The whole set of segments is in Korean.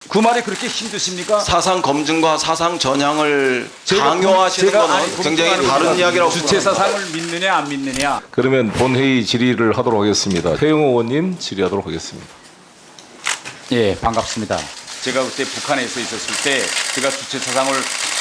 그 말이 그렇게 힘드십니까? 사상 검증과 사상 전향을 강요하시는 거는 굉장히 다른 이야기라고 주체 생각합니다. 사상을 믿느냐 안 믿느냐. 그러면 본회의 질의를 하도록 하겠습니다. 태영 의원님 질의하도록 하겠습니다. 예, 반갑습니다. 제가 그때 북한에서 있었을 때 제가 주체 사상을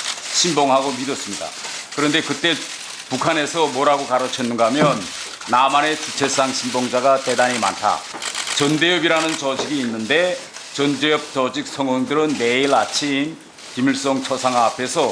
신봉하고 믿었습니다. 그런데 그때 북한에서 뭐라고 가르쳤는가 하면 남한의 주체상 신봉자가 대단히 많다. 전대협이라는 조직이 있는데 전대협 조직 성원들은 매일 아침 김일성 초상화 앞에서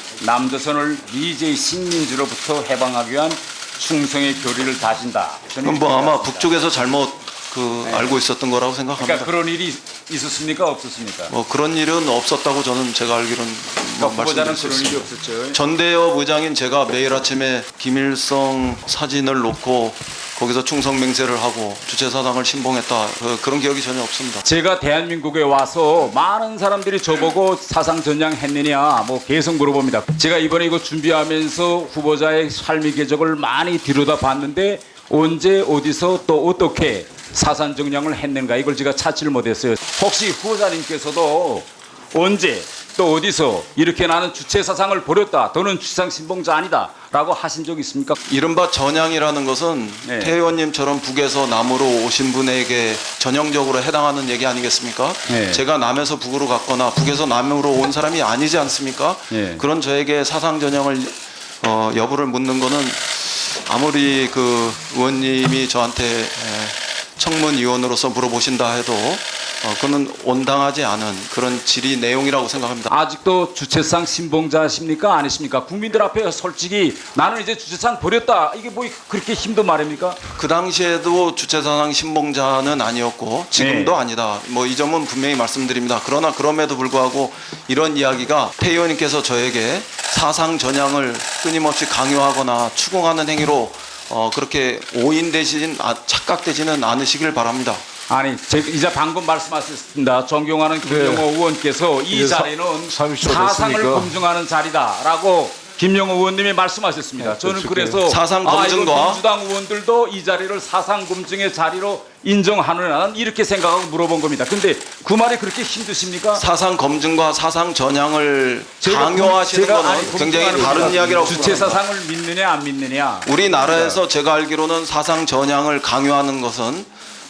남조선을 미제 식민지로부터 해방하기 위한 충성의 교리를 다진다. 그건 뭐 아마 북쪽에서 잘못 알고 있었던 거라고 생각합니다. 그러니까 그런 일이 있었습니까? 없었습니까? 뭐 그런 일은 없었다고 저는 제가 알기로는 그러니까 후보자는 말씀드릴 수 그런 일이 있습니다. 없었죠. 전대협 의장인 제가 매일 아침에 김일성 사진을 놓고 거기서 충성 맹세를 하고 주체 사상을 신봉했다. 그런 기억이 전혀 없습니다. 제가 대한민국에 와서 많은 사람들이 저보고 사상 전향했느냐 뭐 계속 물어봅니다. 제가 이번에 이거 준비하면서 후보자의 삶의 궤적을 많이 들여다봤는데 언제 어디서 또 어떻게 사상 전향을 했는가 이걸 제가 찾지를 못했어요. 혹시 후보자님께서도 언제 또 어디서 이렇게 나는 주체 사상을 버렸다 또는 주상 신봉자 아니다 라고 하신 적 있습니까? 이른바 전향이라는 것은 네. 태 의원님처럼 북에서 남으로 오신 분에게 전형적으로 해당하는 얘기 아니겠습니까? 네. 제가 남에서 북으로 갔거나 북에서 남으로 온 사람이 아니지 않습니까? 네. 그런 저에게 사상 전형을 여부를 묻는 거는 아무리 그 의원님이 저한테 청문위원으로서 물어보신다 해도 그는 온당하지 않은 그런 질의 내용이라고 생각합니다. 아직도 주체상 신봉자십니까? 아니십니까? 국민들 앞에 솔직히 나는 이제 주체상 버렸다. 이게 뭐 그렇게 힘든 말입니까? 그 당시에도 주체사상 신봉자는 아니었고 지금도 네. 아니다. 뭐 이 점은 분명히 말씀드립니다. 그러나 그럼에도 불구하고 이런 이야기가 태 의원님께서 저에게 사상 전향을 끊임없이 강요하거나 추궁하는 행위로 그렇게 오인되진 착각되지는 않으시길 바랍니다. 아니, 이제 방금 말씀하셨습니다. 존경하는 김영호 의원께서 이 이제 자리는 30초 사상을 됐으니까. 검증하는 자리다라고 김영호 의원님이 말씀하셨습니다. 저는 그래서 사상 이거 검증과 민주당 의원들도 이 자리를 사상 검증의 자리로 인정하느냐는 이렇게 생각하고 물어본 겁니다. 근데 그 말이 그렇게 힘드십니까? 사상 검증과 사상 전향을 강요하시는 제가 것은 굉장히 검증하는 다른 겁니다. 이야기라고 주체 생각합니다. 사상을 믿느냐 안 믿느냐. 우리나라에서 제가 알기로는 사상 전향을 강요하는 것은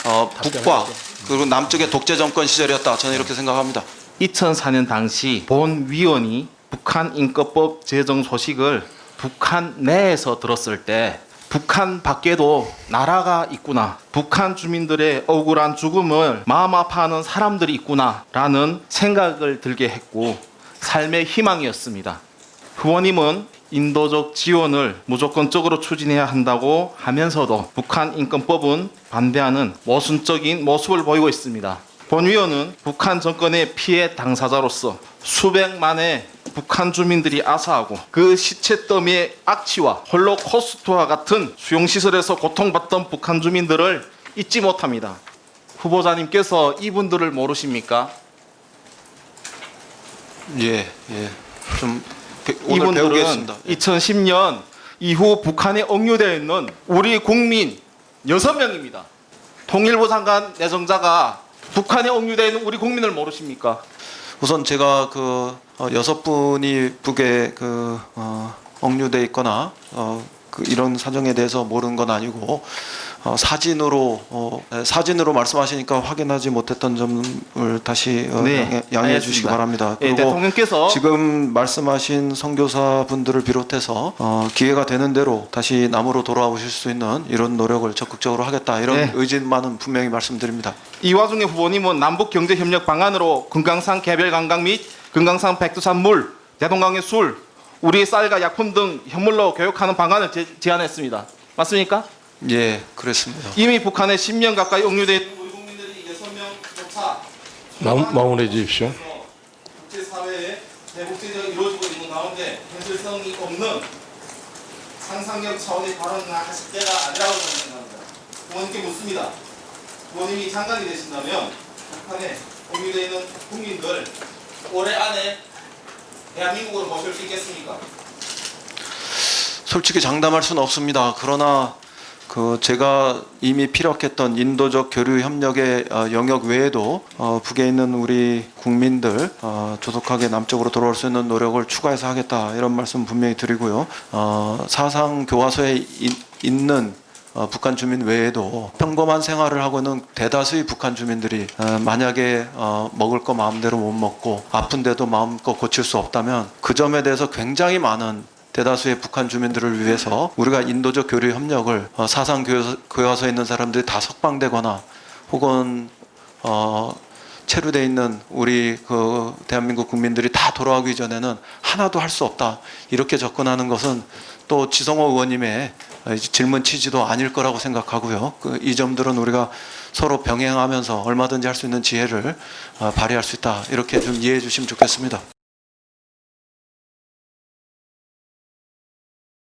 북과 그리고 남쪽의 독재 정권 시절이었다. 저는 이렇게 생각합니다. 2004년 당시 본위원이 북한 인권법 제정 소식을 북한 내에서 들었을 때 북한 밖에도 나라가 있구나, 북한 주민들의 억울한 죽음을 마음 아파하는 사람들이 있구나라는 생각을 들게 했고 삶의 희망이었습니다. 후보님은 인도적 지원을 무조건적으로 추진해야 한다고 하면서도 북한 인권법은 반대하는 모순적인 모습을 보이고 있습니다. 본 위원은 북한 정권의 피해 당사자로서 수백만의 북한 주민들이 아사하고 그 시체 더미의 악취와 홀로코스트와 같은 수용시설에서 고통받던 북한 주민들을 잊지 못합니다. 후보자님께서 이분들을 모르십니까? 예. 좀 오늘 이분들은 배우겠습니다. 2010년 이후 북한에 억류되어 있는 우리 국민 6명입니다. 통일부 장관 내정자가 북한에 억류되어 있는 우리 국민을 모르십니까? 우선 제가 6분이 북에 억류돼 있거나 이런 사정에 대해서 모르는 건 아니고 사진으로 말씀하시니까 확인하지 못했던 점을 다시 네, 양해해 주시기 알겠습니다. 바랍니다. 예, 그리고 대통령께서 지금 말씀하신 선교사 분들을 비롯해서 기회가 되는 대로 다시 남으로 돌아오실 수 있는 이런 노력을 적극적으로 하겠다 이런 네. 의지만은 분명히 말씀드립니다. 이 와중에 후보님은 남북경제협력 방안으로 금강산 개별관광 및 금강산 백두산물, 대동강의 술, 우리의 쌀과 약품 등 현물로 교육하는 방안을 제안했습니다. 맞습니까? 예, 그렇습니다. 이미 북한에 10년 가까이 억류된 우리 국민들이 6명조차 마무리해 주십시오. 국제사회의 대국제적으로 이루어지고 있는 가운데 현실성이 없는 상상력 차원의 발언을 하실 때가 아니라고 저는 생각합니다. 부모님께 묻습니다. 부모님이 장관이 되신다면 북한에 억류되어 있는 국민들 올해 안에 대한민국으로 모실 수 있겠습니까? 솔직히 장담할 수는 없습니다. 그러나 제가 이미 피력했던 인도적 교류 협력의 영역 외에도 북에 있는 우리 국민들 조속하게 남쪽으로 돌아올 수 있는 노력을 추가해서 하겠다 이런 말씀 분명히 드리고요. 사상 교화서에 있는 북한 주민 외에도 평범한 생활을 하고 있는 대다수의 북한 주민들이 만약에 먹을 거 마음대로 못 먹고 아픈데도 마음껏 고칠 수 없다면 그 점에 대해서 굉장히 많은 대다수의 북한 주민들을 위해서 우리가 인도적 교류 협력을 사상 교화서에 있는 사람들이 다 석방되거나 혹은 체류돼 있는 우리 그 대한민국 국민들이 다 돌아오기 전에는 하나도 할 수 없다 이렇게 접근하는 것은 또 지성호 의원님의 질문 취지도 아닐 거라고 생각하고요. 이 점들은 우리가 서로 병행하면서 얼마든지 할 수 있는 지혜를 발휘할 수 있다 이렇게 좀 이해해 주시면 좋겠습니다.